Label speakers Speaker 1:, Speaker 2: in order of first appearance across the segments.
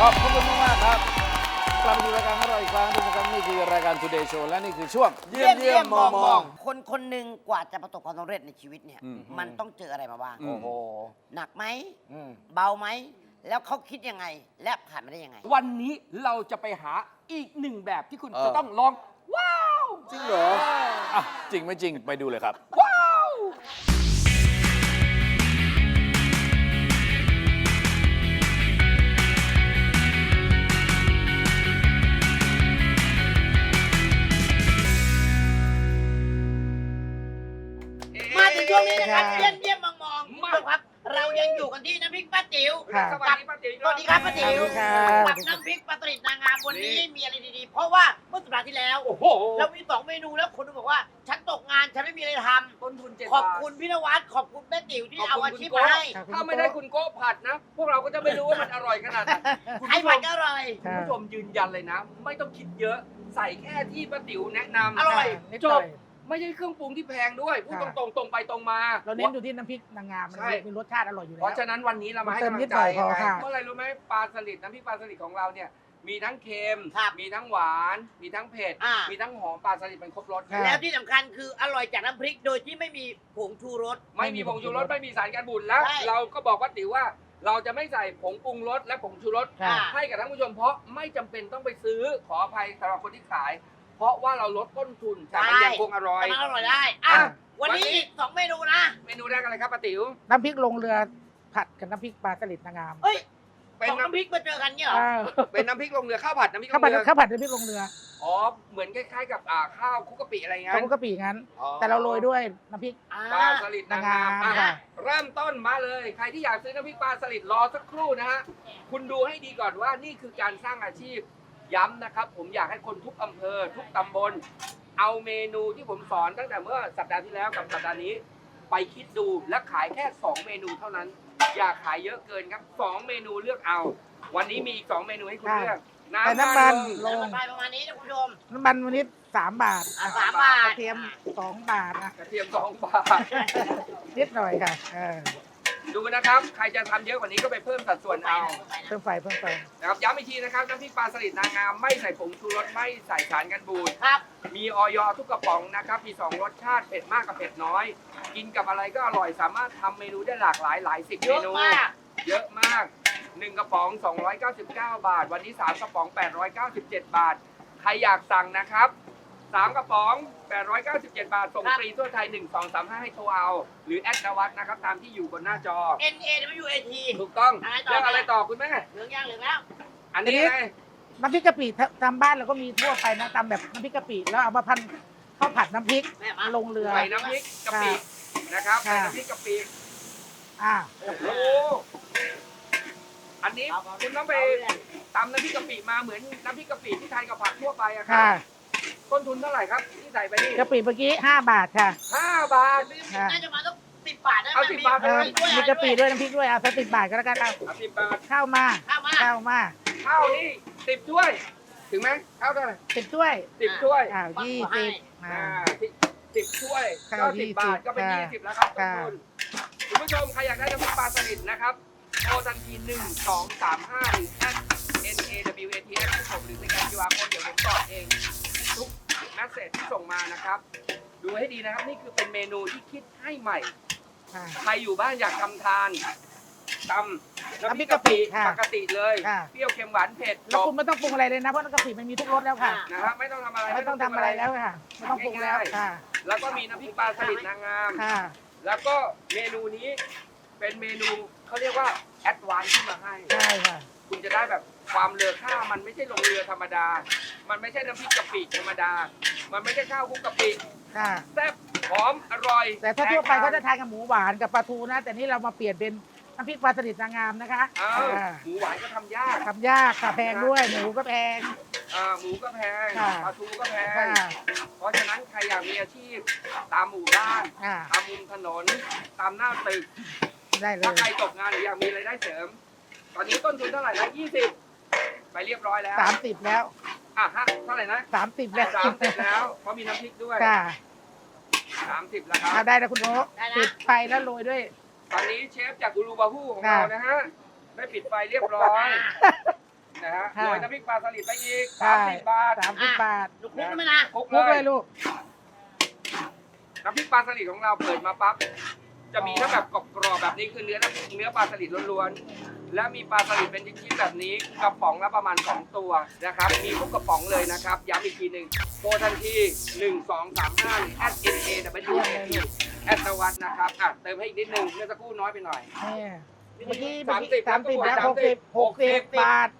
Speaker 1: ขอบคุณมากๆครับกลับมาดูรายการของเราอีกครั้งทุกท่านนี่คือรายการ Today Show และนี่คือช่วงเยี่ยมมอง
Speaker 2: คนคนหนึ่งกว่าจะประสบความสำเร็จในชีวิตเนี่ยมันต้องเจออะไรมาบ้าง
Speaker 1: โอ้โห
Speaker 2: หนักไหมเบาไหมแล้วเขาคิดยังไงและผ่านมาได้ยังไง
Speaker 3: วันนี้เราจะไปหาอีกหนึ่งแบบที่คุณจะต้องลอง ว้าว
Speaker 1: จริงเหรออ่ะจริงไม่จริงไปดูเลยครับ
Speaker 3: ว้าว
Speaker 2: มาถึงช่วงนี้นะครับเยี่ยมมองคุณผู้ชมครับ เรายังอยู่กันที่น้ำพริกป้าติ๋ว
Speaker 3: สวัสดีป้าติ๋ว
Speaker 2: สวัสดีครับป้าติ๋ว
Speaker 1: สวัสดีครับ
Speaker 2: กับน้ำพริกปลาสลิดนางงามวันนี้มีอะไรดีๆ เพราะว่าเมื่อสัปดาห์ที่แล้ว
Speaker 3: โอ้โห
Speaker 2: เรามี2เมนูแล้วคนบอกว่าฉันตกงานฉันไม่มีอะไรท
Speaker 3: ต้นทุน7
Speaker 2: ำขอบคุณพี่นวัดขอบคุณแม่ติ๋วที่เอาอาชีพมาให้
Speaker 3: ถ้าไม่ได้คุณโก้ผัดนะ พวกเราก็จะไม่รู้ว่ามันอร่อยขนาดไหนคุณ
Speaker 2: ให้
Speaker 3: ผู้ช
Speaker 2: ผัด
Speaker 3: ม
Speaker 2: ก็อร่อย
Speaker 3: คุณผู้ชมยืนยันเลยนะ ไม่ต้องคิดเยอะใส่แค่ที่ป้าติ๋วแนะนำ
Speaker 2: อร่อย
Speaker 3: จบไม่ใช่เครื่องปรุงที่แพงด้วยพูดตรงๆไปตรงมา
Speaker 4: เราเน้นอยู่ที่น้ำพริกนางงามมัน
Speaker 3: ใช่
Speaker 4: มีรสชาติอร่อยอยู่
Speaker 3: เพ
Speaker 4: แล้ว
Speaker 3: ราะฉะนั้นวันนี้เรามาให้
Speaker 4: เติม
Speaker 3: กำลั
Speaker 4: นิ
Speaker 3: ง
Speaker 4: ด
Speaker 3: ใจ
Speaker 4: หน่อยพอ
Speaker 3: ไง
Speaker 4: ค่ะ
Speaker 3: เพราะอะไรรู้ไหมปลาสลิดน้ำพริกปลาสลิดของเราเนี่ยมีทั้งเค็ม
Speaker 2: ครับ
Speaker 3: มีทั้งหวาน มีทั้งเผ็ด
Speaker 2: อ่า
Speaker 3: มีทั้งหอมปลาสลิดเป็นครบรส
Speaker 4: ครับ
Speaker 2: แล้วที่สำคัญคืออร่อยจากน้ำพริกโดยที่ไม่มีผงชูรส
Speaker 3: ไม่มีผงชูรสไม่มีสารกันบูดแล้ว
Speaker 2: ใช่
Speaker 3: เราก็บอกว่าติ๋วว่าเราจะไม่ใส่ผงปรุงรสและผงชูรส
Speaker 4: ค่ะ
Speaker 3: ให้กับท่านผู้ชมเพราะไม่จำเป็นต้องไปซื้อขออภัยสำหรับคนที่ขาย เพราะว่าเราลดต้นทุนแต่มันยังคงอร่อย
Speaker 2: แต่มันอร่อยได้อ่ะ
Speaker 3: อ่ะ
Speaker 2: วันนี้อีก2เมนูนะ
Speaker 3: เมนูแรกอะไรครับป้าติ๋ว
Speaker 4: น้ำพริกลงเรือผัดกับน้ำพริกปลาสลิดนางงาม
Speaker 2: เฮ้ย
Speaker 3: เป็น
Speaker 2: สอง
Speaker 3: น้
Speaker 2: น้ำพริกมาเจอกันเนี่ยเหรอ
Speaker 3: เป็นน้ำพริกลงเรือข้าวผัดน้ำพริกล
Speaker 4: ข้าว
Speaker 3: ง
Speaker 4: ผัด
Speaker 3: เรือ
Speaker 4: ข้าวผัดน้ำพริกลงเรือ
Speaker 3: อ๋อเหมือนคล้ายๆกับข้าวคลุกกะปิอะไรเงี้
Speaker 4: เขา
Speaker 3: ย
Speaker 4: ก็ปีงั้น แต่เราโรยด้วยน้ำพริก
Speaker 3: ปลาสลิดนางงาม
Speaker 4: นางงาม
Speaker 3: อ่ะ
Speaker 4: ค่ะ
Speaker 3: เริ่มต้นมาเลย ใครที่อยากซื้อน้ำพริกปลาสลิดรอสักครู่นะฮะ คุณดูให้ดีก่อนว่านี่คือการสร้างอาชีพ ย้ำนะครับ ผมอยากให้คนทุกอำเภอ ทุกตำบล เอาเมนูที่ผมสอนตั้งแต่เมื่อสัปดาห์ที่แล้วกับสัปดาห์นี้ ไปคิดดูและขายแค่ 2 เมนูเท่านั้น อย่าขายเยอะเกินครับ 2 เมนูเลือกเอา วันนี้มีอีก 2 เมนูให้คุณเลือก
Speaker 4: ใส่น้ำมัน
Speaker 3: ล
Speaker 4: ล
Speaker 3: ง
Speaker 4: ง
Speaker 2: ไปประมาณนี้นะคุณผู้ชม
Speaker 4: น้ำมันวันนี้3 บาท
Speaker 2: 3 บาท
Speaker 4: กระเทียม2 บาทนะ
Speaker 3: กระเทียม2 บาท
Speaker 4: นิดหน่อยค่ะ
Speaker 3: ดูนะครับ ใครจะทำเยอะกว่านี้ก็ไปเพิ่มสัดส่วนเอา
Speaker 4: เพิ่มไฟเพิ่มไฟ
Speaker 3: นะครับย้ำอีกทีนะครับน้ำพริกปลาสลิดนางงามไม่ใส่ผงชูรสไม่ใส่สารกันบูด
Speaker 2: ครับ
Speaker 3: มีออยทุกกระป๋องนะครับมี2รสชาติเผ็ดมากกับเผ็ดน้อย กินกับอะไรก็อร่อยสามารถทำเมนูได้หลากหลายหลายสิบ
Speaker 2: เย
Speaker 3: เม
Speaker 2: อะ
Speaker 3: นู
Speaker 2: มาก
Speaker 3: เยอะมาก1กระป๋อง299 บาท วันนี้3กระป๋อง897 บาท ใครอยากสั่งนะครับ3กระป๋อง897 บาทส่งฟรีทั่วไทย1235ให้โทรเอาหรือแอดนวัดนะครับตามที่อยู่บนหน้าจอ
Speaker 2: N A W A T
Speaker 3: ถูกต้อง
Speaker 2: อะไรต่อ
Speaker 3: เรื่องอะไรต่อคุณแม่
Speaker 2: เหลืองย่างเหลืองแล้ว
Speaker 3: อันนี้ไง
Speaker 4: น้ำพริกกะปิตามบ้านเราก็มีทั่วไปนะตามแบบน้ำพริกกะปิแล้วเอามาพันข้าวผัดน้ำพริก
Speaker 2: แม่มา
Speaker 4: ลงเรือ
Speaker 3: ใส่น้ำพริกกะปินะครับใส่น้ำพริกกะปิ
Speaker 4: อ่า
Speaker 3: โอ้โหอันนี้คุณต้องไปตำน้ำพริกกะปิมาเหมือนน้ำพริกกะปิที่ทานกับผักทั่วไปอะครั
Speaker 4: ค่ะ
Speaker 3: บต้นทุนเท่าไหร่ครับที่ใส่ไปนี่
Speaker 4: กะปิเมื่อกี้5 บาทค่ะ
Speaker 3: 5 บาท
Speaker 2: น่าจะมาต้อง10 บาทนะ
Speaker 3: เอา10 บาท
Speaker 4: มีกะปิด้วยน้ำพริกด้วยเอาสัก10 บาทก็แล้วกันเอา
Speaker 3: เอา10 บาท
Speaker 4: ข้าวมา
Speaker 2: ข้าวมา
Speaker 4: ข้าวมา
Speaker 3: ข้าวนี่10ถ้วย ถึงไหมข้าวเท่าไหร่
Speaker 4: 10 ถ้วย
Speaker 3: 10ถ้วย
Speaker 4: อ้าว20
Speaker 3: อ่า
Speaker 4: อ่า
Speaker 3: 10ถ้วย
Speaker 4: ข้าว
Speaker 3: ก็10 บาทก็เป็น
Speaker 4: ค่ะ
Speaker 3: 20แล้วครับต้น
Speaker 4: ค่ะ
Speaker 3: ทุนคุณผู้ชมใครอยากได้น้ำพริกปลาสลิดนะครับโทรทันที1 2 3 5หรือ @NAWATS ผมหรือในการ QR code เดี๋ยวผมตอบเองทุกแมสเซจที่ส่งมานะครับ ดูให้ดีนะครับนี่คือเป็นเมนูที่คิดให้ใหม่
Speaker 4: ค่ะ
Speaker 3: ใครอยู่บ้านอยากทำทานตำน้ำพริกกะปิ
Speaker 4: ค่ะ
Speaker 3: ปกติเลย
Speaker 4: ค่ะ
Speaker 3: เปรี้ยวเค็มหวานเผ็ดจ
Speaker 4: แล้ว
Speaker 3: บ
Speaker 4: คุณไม่ต้องปรุงอะไรเลยนะเพราะน้ำกะปิมันมีทุกรสแล้วค่ะ
Speaker 3: นะครับไม่ต้องทำอะไร
Speaker 4: ไม่ต้องทำอะไรแล้วค่ะไม่ต้องปรุงแล้วค่ะ
Speaker 3: แล้วก็มีน้ำพริกปลาสลิดนางงาม
Speaker 4: ค่ะ
Speaker 3: แล้วก็เมนูนี้เป็นเมนูเขาเรียกว่าแอดวานซ์ขึ้นมาให้
Speaker 4: ใช่ค่ะ
Speaker 3: คุณจะได้แบบความเลอค่ามันไม่ใช่ลงเรือธรรมดา มันไม่ใช่น้ำพริกกะปิธรรมดา มันไม่ใช่ข้าวคลุกกะปิ
Speaker 4: ค่ะ
Speaker 3: แซ่บหอมอร่อย
Speaker 4: แต่ถ้าทั่วไป
Speaker 3: ก
Speaker 4: เขาจะทานกับหมูหวานกับปลาทูนะ แต่นี่เรามาเปลี่ยนเป็นน้ำพริกปลาสลิดนางงามนะคะ
Speaker 3: อ้าว
Speaker 4: อ่า
Speaker 3: หมูหวานก็ทำยาก
Speaker 4: ทำยากค่ะแพงด้วยหมูก็แพง
Speaker 3: หมูก็แพง
Speaker 4: ค่ะ
Speaker 3: ปลาทูก็แพง
Speaker 4: ค่ะ
Speaker 3: เพราะฉะนั้นใครอยากมีอาชีพตามหมู่บ้าน
Speaker 4: ค่ะ
Speaker 3: ตามมุมถนน ตามหน้าตึก
Speaker 4: ได้เล
Speaker 3: ถ้าย ใครตกงานหรืออยากมีรายได้เสริม ตอนนี้ต้นทุนเท่าไหร่นะ20 ไปเรียบร้อยแล้ว
Speaker 4: 30แล้ว
Speaker 3: อ่ะฮะเท่าไหร่นะ
Speaker 4: 30แล้ว
Speaker 3: 30แล้ว เพราะมีน้ำพริกด้วย
Speaker 4: ค่ะ
Speaker 3: 30แล้วครับ
Speaker 4: ได้แล้วคุณโอ๊ค
Speaker 2: ได้แล้ว
Speaker 4: ปิดไฟแล้วโรยด้วย
Speaker 3: ตอนนี้เชฟจากกูรูบาฮูของ
Speaker 4: ค่ะ
Speaker 3: เรานะฮะ ได้ปิดไฟเรียบร้อยนะฮะ
Speaker 4: ค่ะ
Speaker 3: โรยน้ำพริกปลาสลิดไปอีก
Speaker 4: ใช่
Speaker 3: 30 บาท
Speaker 4: 30 บาท
Speaker 2: ลูกคลุกได้ไหมนะ
Speaker 3: คลุก
Speaker 4: คลุก
Speaker 3: เล
Speaker 4: เลย ยลูก
Speaker 3: น้ำพริกปลาสลิดของเราเปิดมาปั๊บจะมีทั้งแบบกรอบๆแบบนี้คือเนื้อปลาสลิดล้วนๆและมีปลาสลิดเป็นชิ้นๆแบบนี้กระป๋องละประมาณ2ตัวนะครับมีทุกกระป๋องเลยนะครับย้ำอีกทีหนึ่งโทรทันที1235หรือ @NAWAT แอดนวัดนะครับเติมให้อีกนิดนึงเมื่อสักครู่น้อยไปหน่อย
Speaker 4: เมื่อกี้
Speaker 3: 30
Speaker 4: 30แล้ว
Speaker 3: 30
Speaker 4: 60 บาท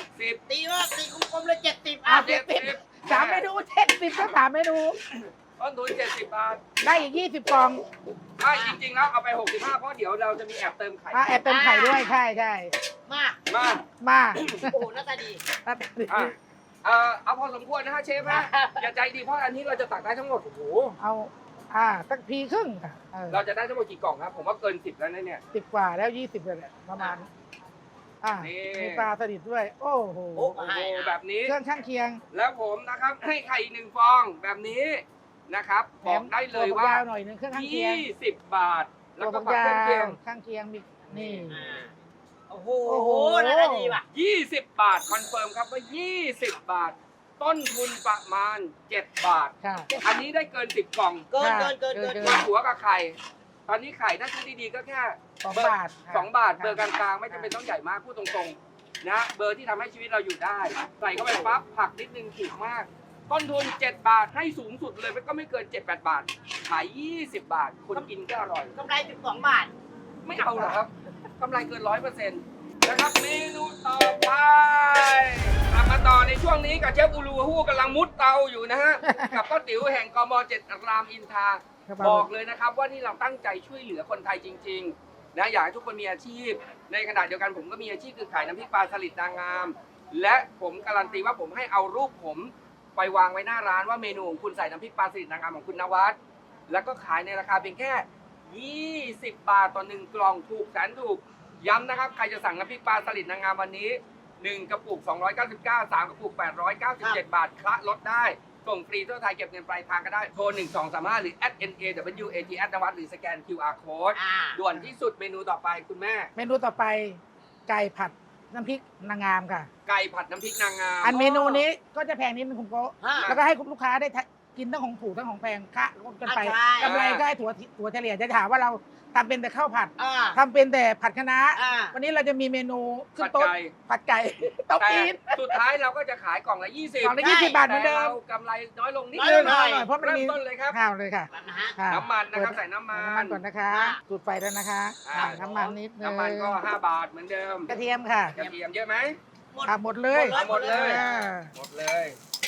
Speaker 3: 60
Speaker 2: ตีว่าตีกลมๆเลย70
Speaker 4: อ่ะ
Speaker 3: 70
Speaker 4: 3 เมนู 70ก็3 เมนู
Speaker 3: ต้นทุน70 บาท
Speaker 4: ได้อีก 20 กล่อง
Speaker 3: จริงๆแล้วเอาไป65เพราะเดี๋ยวเราจะมีแอบเติมไข่
Speaker 4: แอบเติมไข่ด้วยใช่ใช่
Speaker 2: มา
Speaker 3: มา
Speaker 4: มา
Speaker 2: โอ้โหหน้าตาดี
Speaker 3: เอาพอสมควรนะฮะเชฟฮะอย่าใจดีเพราะอันนี้เราจะตักได้ทั้งหมดโอ้โห
Speaker 4: เอาสักพีครึ่งค่ะ
Speaker 3: เราจะได้ทั้งหมดกี่กล่องครับผมว่าเกิน10แล้วนะเนี่ย
Speaker 4: 10 กว่าแล้ว 20เลยแหละประมาณ
Speaker 3: นี่
Speaker 4: มีปลาสลิดด้วย โอ้โห
Speaker 3: โอ้โหแบบนี้
Speaker 4: เครื่องข้างเคียง
Speaker 3: แล้วผมนะครับให้ไข่อีก1ฟองแบบนี้นะครับบอกได้เลยว่า
Speaker 4: ตัวยาวหน่อยนึงเครื่องข้างเคียง
Speaker 3: 20 บาท แล้วก็
Speaker 4: ตั
Speaker 3: ผั
Speaker 4: ว
Speaker 3: กเครื่องเคียง
Speaker 4: ข้างเคียงมีนี่
Speaker 2: โอ้โหหน้าตาดีว่ะ
Speaker 3: 20 บาทคอนเฟิร์มครับว่า20 บาท ต้นทุนประมาณ7 บาท
Speaker 4: ค่ะ
Speaker 3: อันนี้ได้เกิน10กล่อง
Speaker 2: เกิน
Speaker 3: ตัวหัวกับไข่ ตอนนี้ไข่ถ้าซื้อดีๆก็แค่
Speaker 4: 2 บาทค่ะ
Speaker 3: 2 บาทเบอร์กลางๆไม่จำเป็นต้องใหญ่มากพูดตรงๆนะเบอร์ที่ทำให้ชีวิตเราอยู่ได้ ใส่เข้าไปปั๊บผักนิดนึงถูกมาก ต้นทุน7 บาทให้สูงสุดเลยมันก็ไม่เกิน 7-8 บาท ขาย 20 บาทคนกินก็อร่อย
Speaker 2: กำไร12 บาท
Speaker 3: ไม่เอาหรอกครับกำไรเกิน 100%นะครับเมนูต่อไปกลับมาต่อในช่วงนี้กับเชฟอูรูฮู้กำลังมุดเตาอยู่นะฮะ กับป้าติ๋วแห่งกม7รามอินทราบอกเลยนะครับว่านี่เราตั้งใจช่วยเหลือคนไทยจริงๆนะอยากให้ทุกคนมีอาชีพ ในขณะเดียวกันผมก็มีอาชีพคือขายน้ำพริกปลาสลิดนางงาม และผมการันตีว่าผมให้เอารูปผมไปวางไว้หน้าร้านว่าเมนูของคุณใส่น้ำพริกปลาสลิดนางงามของคุณนวัดแล้วก็ขายในราคาเพียงแค่20 บาทต่อ1กล่องถูกแสนถูกย้ำนะครับใครจะสั่งน้ำพริกปลาสลิดนางงามวันนี้1กระปุก299 3กระปุก897 บาทคละลดได้ส่งฟรีทั่วไทยเก็บเงินปลายทางก็ได้โทร1235หรือ @NAWAT นวัดหรือสแกน QR code ด่วนที่สุดเมนูต่อไปคุณแม่
Speaker 4: เมนูต่อไปไก่ผัดน้ำพริกนางงามค่ะ
Speaker 3: ไก่ผัดน้ำพริกนางงาม
Speaker 4: อันเมนูนี้ก็จะแพงนิดนึงคุณโก้
Speaker 2: ฮะ
Speaker 4: แล้วก็ให้คุณลูกค้าได้กินทั้งของถูกทั้งของแพงคะกันไป
Speaker 2: ใช่
Speaker 4: กำไรก็ให้ถั่วเฉลี่ยจะถามว่าเราทำเป็นแต่ข้าวผัด
Speaker 2: อ่า
Speaker 4: ทำเป็นแต่ผัดคะน้า
Speaker 2: อ่า
Speaker 4: วันนี้เราจะมีเมนูขึ้
Speaker 3: ผั
Speaker 4: น
Speaker 3: ด
Speaker 4: โต๊ะ
Speaker 3: ไก่
Speaker 4: ผัดไก่โต๊ะ
Speaker 3: แต่
Speaker 4: จีน
Speaker 3: สุดท้ายเราก็จะขายกล่องละ20
Speaker 4: กล่องละ20 บาทเหมือนเดิ
Speaker 3: แต่
Speaker 4: ม
Speaker 3: เรากำไรน้อยลงนิด
Speaker 2: น้อย
Speaker 3: นึ
Speaker 2: ล
Speaker 3: ง
Speaker 2: งหน่อย
Speaker 4: เพราะมัน
Speaker 3: เริ่ม
Speaker 4: มี
Speaker 3: ต้นเลยครับ
Speaker 4: ข้าวเลยค่ะ
Speaker 2: แบบนะฮะ
Speaker 4: ค่ะ
Speaker 3: น้ำมันนะครับใส่น้ำมัน
Speaker 4: ก่อนนะคะ
Speaker 2: อ่า
Speaker 4: จุดไฟแล้วนะคะ
Speaker 3: อ่า
Speaker 4: น้ำมันนิดนึง
Speaker 3: น้ำมันก็5 บาทเหมือนเดิม
Speaker 4: กระเทียมค่ะ
Speaker 3: กระเทียมเยอะไหม
Speaker 4: หมดเลย
Speaker 3: เอาหมดเลย
Speaker 4: อ่า
Speaker 3: หมดเลย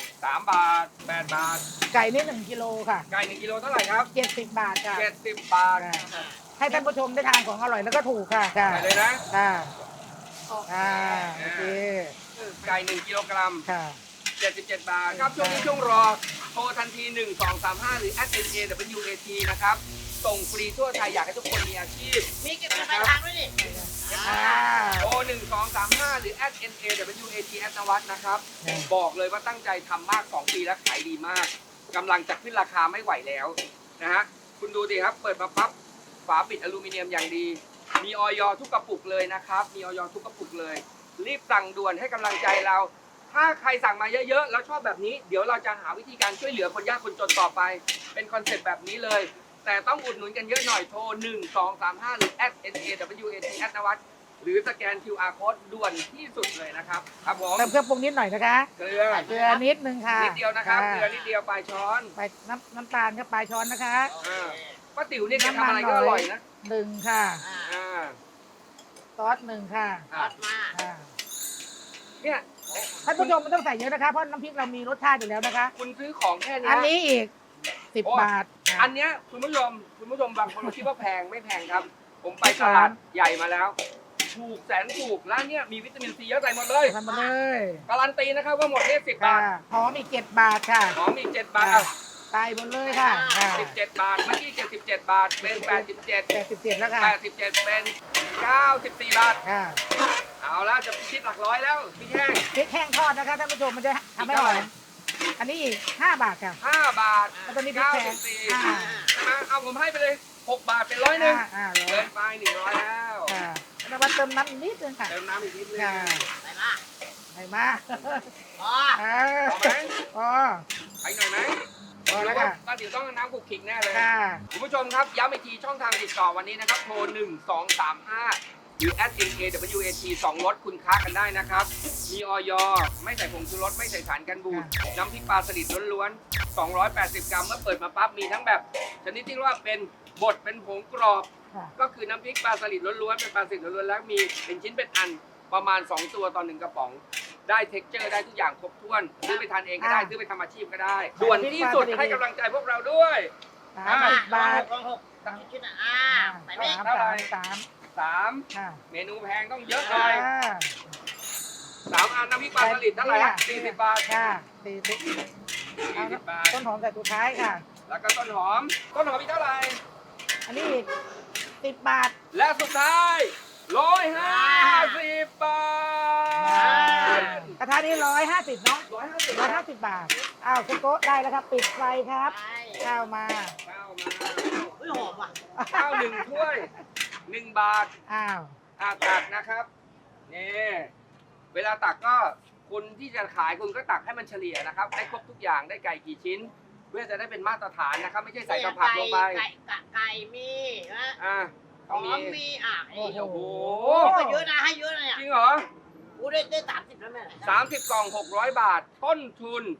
Speaker 3: 3 บาท8 บาท
Speaker 4: ไก่นี่1 กิโลค่ะ
Speaker 3: ไก่1กิโลเท่าไหร่ครับ
Speaker 4: 70 บาทค่ะ
Speaker 3: 70 บาท
Speaker 4: ให้ท่านผู้ชมได้ทานของอร่อยแล้วก็ถูกค่ะค่ะ
Speaker 3: ไปเลยนะ
Speaker 4: ค่ะโอเค
Speaker 3: ไก่1กิโลกรัม
Speaker 4: ค่ะ
Speaker 3: 77 บาทครับช่วงนี้ช่วงรอโทรทันที 1235 หรือ @NAWAT นะครับส่งฟรีทั่วไทยอยากให้ทุกคนมีอาชีพ
Speaker 2: มีเก็บเงินปลายทางด้วยนี่
Speaker 3: โทร1235 หรือ @NAWAT นวัดนะครับบอกเลยว่าตั้งใจทำมาก 2 ปีแล้วขายดีมากกำลังจะขึ้นราคาไม่ไหวแล้วนะฮะคุณดูดิครับเปิดมาปั๊บฝาปิดอลูมิเนียมอย่างดี มีออยทุกกระปุกเลยนะครับมีออยทุกกระปุกเลย รีบสั่งด่วนให้กำลังใจเรา ถ้าใครสั่งมาเยอะๆแล้วชอบแบบนี้เดี๋ยวเราจะหาวิธีการช่วยเหลือคนยากคนจนต่อไป เป็นคอนเซ็ปต์แบบนี้เลย แต่ต้องอุดหนุนกันเยอะหน่อยโทร1235 หรือ @NAWAT นวัดหรือสแกน QR code ด่วนที่สุดเลยนะครับครับผม
Speaker 4: เติมเครื่องปรุงนิดหน่อยนะคะ
Speaker 3: เกลือ
Speaker 4: เกลือนิดนึงค่ะ
Speaker 3: นิดเดียวนะครับเกลือนิดเดียวปลายช้อน
Speaker 4: ไปน้ำตาลครับปลายช้อนนะคะ
Speaker 3: ป้าติ๋วเนี่ยแกทำอะไรก็อร่อยนะ
Speaker 4: 1 ค่ะ
Speaker 3: อ่า
Speaker 4: ซอส1 ค่ะ
Speaker 2: ทอดมา
Speaker 3: เนี่ย
Speaker 4: ท่านผู้ชมไม่ต้องใส่เยอะนะคะเพราะน้ำพริกเรามีรสชาติอยู่แล้วนะคะ
Speaker 3: คุณซื้อของแค่เนี้
Speaker 4: อัน
Speaker 3: ย
Speaker 4: นี้อีก10 บาท
Speaker 3: อันเนี้ยคุณผู้ชมบางคนคิดว่าแพงไม่แพงครับ ผมไปตลาดใหญ่มาแล้ว ถูกแสนถูกร้านเนี้ยมีวิตามินซีเยอะใส่หมดเลย
Speaker 4: ทำมาเลย
Speaker 3: การันตีนะครับว่าหมดแค่10 บา
Speaker 4: ค่ะ
Speaker 3: ท
Speaker 4: หอมอีก7 บาทค่ะ
Speaker 3: หอมอีก7 บาท
Speaker 4: ตายหมดเลยค่ะ
Speaker 3: 17 บาทเมื่อกี้77 บาทเป็น87
Speaker 4: 87แล้วค่ะ
Speaker 3: 87เป็น94 บาท
Speaker 4: ค่ะ
Speaker 3: เอาละจะพิชิตหลักร้อยแล้วพี่แห้ง
Speaker 4: พริกแห้งทอดนะคะท่านผู้ชมมันจะทำให้หอมอันนี้อีก5 บาทค่ะ
Speaker 3: 5 บาท
Speaker 4: แล้วตอนนี้พริกแพง
Speaker 3: 94ใช่ไหมเอาผมให้ไปเลย6 บาทเป็น100นึง
Speaker 4: ร้อ
Speaker 3: เกิ
Speaker 4: ย
Speaker 3: นไป100แล้ว
Speaker 4: ค่ะแล้วมาเติมน้ำอีกนิดนึงค่ะ
Speaker 3: เติมน้ำอีกนิดนึง
Speaker 4: ค่ะ
Speaker 2: ใส่มา
Speaker 4: คไหนมา
Speaker 2: อ๋อ
Speaker 3: เอาไหม
Speaker 4: อ๋อ
Speaker 3: ไปหน่อยไหม
Speaker 4: พอแล้ว
Speaker 3: ว่า
Speaker 4: ค่ะ
Speaker 3: ป้าติ๋วต้องน้ำคุกคิกแน่เลย
Speaker 4: ค่ะ
Speaker 3: คุณผู้ชมครับย้ำอีกทีช่องทางติดต่อวันนี้นะครับโทร 1235 หรือ @NAWAT 2 รสคุณค้ากันได้นะครับ มีออยไม่ใส่ผงชูรสไม่ใส่สารกันบูดน้ำพริกปลาสลิดล้วนๆ 280 กรัมเมื่อเปิดมาปั๊บมีทั้งแบบชนิดที่ว่าเป็นบดเป็นผงกรอบ
Speaker 4: ค่ะ
Speaker 3: ก็คือน้ำพริกปลาสลิดล้วนๆเป็นปลาสลิดล้วนๆแล้วมีเป็นชิ้นเป็นอันประมาณ 2 ตัวต่อ 1 กระป๋อง ได้เท็กเจอร์ได้ทุกอย่างครบถ้วนซื้อไปทานเองก็ได้ซื้อไปทำอาชีพก็ได้ด่วนที่สุดให้กำลังใจพวกเราด้วย
Speaker 4: 30 บาท
Speaker 2: ลองหกชิ้นใส่ไหม
Speaker 3: เท่าไหร่
Speaker 4: 3 ค่ะ
Speaker 3: 3 เมนูแพงต้องเยอะหน่อย3 อันน้ำพริกปลาสลิดเท่าไหร่ฮะ40 บาท
Speaker 4: ค่ะ40
Speaker 3: 40 บาท
Speaker 4: ต้นหอมแต่สุดท้ายค่ะ
Speaker 3: แล้วก็ต้นหอมอีกเท่าไหร่
Speaker 4: อันนี้อีก10 บาท
Speaker 3: และสุดท้าย150 บาท
Speaker 4: กระทะนี้150เนาะ
Speaker 3: 150
Speaker 4: 150 บาท อ้าวคุณโก้ได้แล้วครับ ปิดไฟครับ ข้าวมา
Speaker 3: ข้าวมา
Speaker 2: อุ้ยหอมว่ะ
Speaker 3: ข้าว1 ถ้วย 1 บาท
Speaker 4: อ้าว
Speaker 3: ตักนะครับนี่เวลาตักก็คุณที่จะขายคุณก็ตักให้มันเฉลี่ยนะครับได้ครบทุกอย่างได้ไก่กี่ชิ้น เพื่อจะได้เป็นมาตรฐานนะครับไม่ใช่ใส่กระผักลงไป
Speaker 2: ไก่มีนะ
Speaker 3: ต้อง
Speaker 2: ห
Speaker 3: มี
Speaker 2: อมมี
Speaker 3: โอ้โห
Speaker 2: ให้เยอะนะให้เยอะนะเนี่ย
Speaker 3: จริงเหรอ
Speaker 2: กูได้30แล้วแม่
Speaker 3: 30 กล่อง 600 บาท ต้นทุน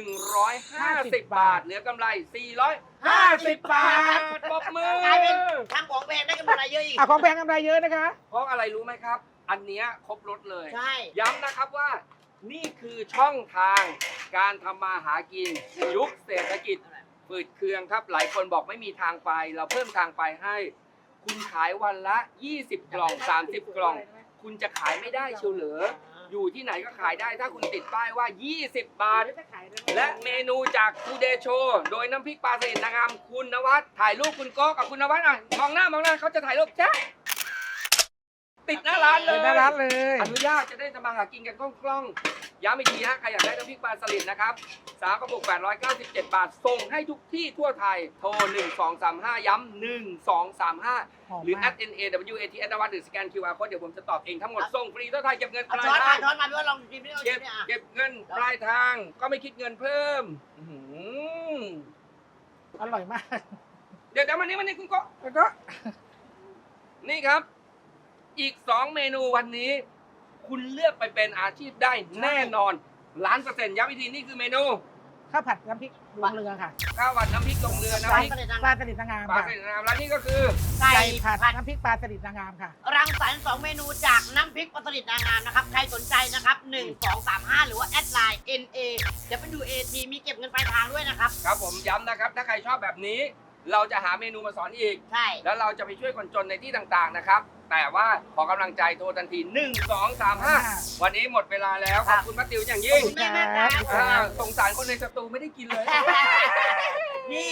Speaker 3: 150 บาท เหลือกำไร 450 บาทปรบมือก
Speaker 2: ลายเป็นทำของแพงได้กำไรเยอะอีก
Speaker 4: ของแพงกำไรเยอะนะคะ
Speaker 3: เพราะอะไรรู้ไหมครับ อันเนี้ยครบรถเลย
Speaker 2: ใช่
Speaker 3: ย้ำนะครับว่านี่คือช่องทางการทำมาหากินยุคเศรษฐกิจฝืดเคืองครับ หลายคนบอกไม่มีทางไป เราเพิ่มทางไปให้ คุณขายวันละ 20 กล่อง 30 กล่อง คุณจะขายไม่ได้เชียวเหรออยู่ที่ไหนก็ขายได้ถ้าคุณติดป้ายว่า 20 บาท และเมนูจาก Today Show โดยน้ำพริกปลาสลิดนางงามคุณนวัดถ่ายรูปคุณโก้กับคุณนวัดอ่ะมองหน้เขาจะถ่ายรูปแจ๊ะติดหน้าร้านเลย
Speaker 4: หน้าร้านเลย
Speaker 3: อนุญาตจะได้ทำมาหากินกันคล่องๆย้ำอีกทีฮะใครอยากได้น้ำพริกปลาสลิดนะครับ3 กระปุก 897 บาท ส่งให้ทุกที่ทั่วไทย โทร 1235 ย้ำ1235 หรือ @NAWAT นวัดหรือสแกน QR Code เดี๋ยวผมจะตอบเองทั้งหมด ส่งฟรีทั่วไทยเก็บเงินป
Speaker 2: เอา
Speaker 3: ลาย
Speaker 2: ช้อน
Speaker 3: ทา
Speaker 2: มาง ช้อนมาด้วยลองชิมดิลองชิมดิ
Speaker 3: เก็บเงินปลายทางก็ไม่คิดเงินเพิ่มอื้อหือ
Speaker 4: อร่อยมาก
Speaker 3: เดี๋ยวมันนี่คุณโก็
Speaker 4: แล้วก็
Speaker 3: นี่ครับ อีก 2 เมนูวันนี้ คุณเลือกไปเป็นอาชีพได้แน่นอน1,000,000%ย้ำอีกทีนี่คือเมนู
Speaker 4: ข้าวผัดน้ำพริกลงเรือค่ะ
Speaker 3: ข้าวผัดน้ำพริกลงเรือน้ำพริก
Speaker 4: ปลาสลิดนางงาม
Speaker 3: ปลา
Speaker 4: ค่ะ
Speaker 3: สลิดน้ำแล้วนี่ก็คือ
Speaker 2: ไก่
Speaker 4: ผัด
Speaker 2: ผัด
Speaker 4: น้ำพริกปลาสลิดนางงามค่ะ
Speaker 2: รังสรรค์2 เมนูจากน้ำพริกปลาสลิดนางงามนะครับ ใครสนใจนะครับ 1235 หรือว่าแอดไลน์ NAWAT มีเก็บเงินปลายทางด้วยนะครับ
Speaker 3: ครับผมย้ำนะครับ ถ้าใครชอบแบบนี้ เราจะหาเมนูมาสอนอีก
Speaker 2: ใช่
Speaker 3: แล้วเราจะไปช่วยคนจนในที่ต่างๆนะครับ แต่ว่าขอกำลังใจโทรทันที 1235 วันนี้หมดเวลาแล้ว ขอบคุณป้าติ๋วอย่างยิ่ง
Speaker 2: ขอบคุณแม่ครับ
Speaker 3: สงสารคนในสตูไม่ได้กินเลย
Speaker 2: นี่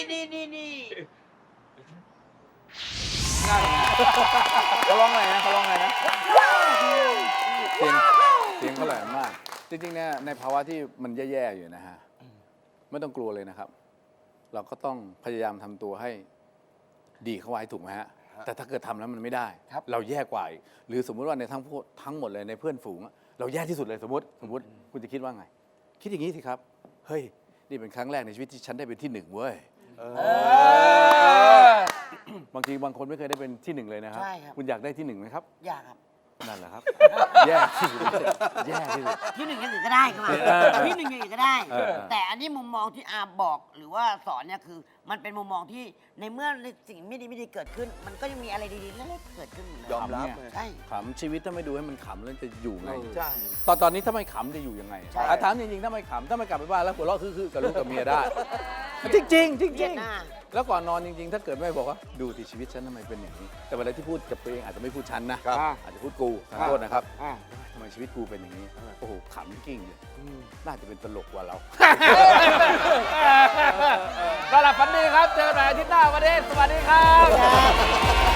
Speaker 1: เขาร้องไงนะเสียงเขาแหลมมาก จริงๆเนี่ยในภาวะที่มันแย่ๆอยู่นะฮะไม่ต้องกลัวเลยนะครับ เราก็ต้องพยายามทำตัวให้ดีเข้าไว้ถูกไหมฮะแต่ถ้าเกิดทำแล้วมันไม่ได้ เราแย่กว่าอีกหรือสมมุติว่าในทั้งหมดเลยในเพื่อนฝูงอะเราแย่ที่สุดเลยสมมติคุณจะคิดว่าไง คิดอย่างนี้สิครับเฮ้ยนี่เป็นครั้งแรกในชีวิตที่ฉันได้เป็นที่ 1เว้ยบางทีบางคนไม่เคยได้เป็นที่ 1เลยนะครับ
Speaker 2: ใช่ครับ
Speaker 1: คุณอยากได้ที่ 1ไหมครับ
Speaker 2: อยากครับ
Speaker 1: นั่นแหละครับ แย่ที่สุดแย่ที่สุด
Speaker 2: ที่หนึ่งอย่างอื่นก็ได้ครับ ที่หนึ่งอย่างอื่นก็ได้ แต่อันนี้มุมมองที่อาบอกหรือว่าสอนเนี่ยคือ มันเป็นมุมมองที่ในเมื่อสิ่งไม่ดีเกิดขึ้น มันก็ยังมีอะไรดีๆเล็กๆเกิดขึ้นอยู่เลย
Speaker 1: ยอมรับ
Speaker 2: ใช่
Speaker 1: ขำชีวิตถ้าไม่ดูให้มันขำแล้วจะอยู่ไง
Speaker 5: ใช่
Speaker 1: ตอนนี้ถ้าไม่ขำจะอยู่ยังไง
Speaker 2: ใช่
Speaker 1: ถามจริงๆถ้าไม่ขำถ้าไม่กลับไปบ้านแล้วหัวเราะคือกับลูกกับเมียได้ จริงๆจ
Speaker 2: เวี
Speaker 1: ริ
Speaker 2: ย
Speaker 1: ง
Speaker 2: ดหน้า
Speaker 1: ๆแล้วก่อนนอนจริงๆ ถ้าเกิดแม่บอกว่าดูที่ชีวิตฉันทำไมเป็นอย่างนี้ แต่เวลาที่พูดกับตัวเองอาจจะไม่พูดฉันนะครับ อาจจะพูดกูขอโทษนะครับทำไมชีวิตกูเป็นอย่างนี้โอ้โหขำกิ้งเลยน่าจะเป็นตลกกว่าเรา
Speaker 5: สำหรับฝันดีครับ เจอกันใหม่อาทิตย์หน้าวันนี้สวัสดีครับ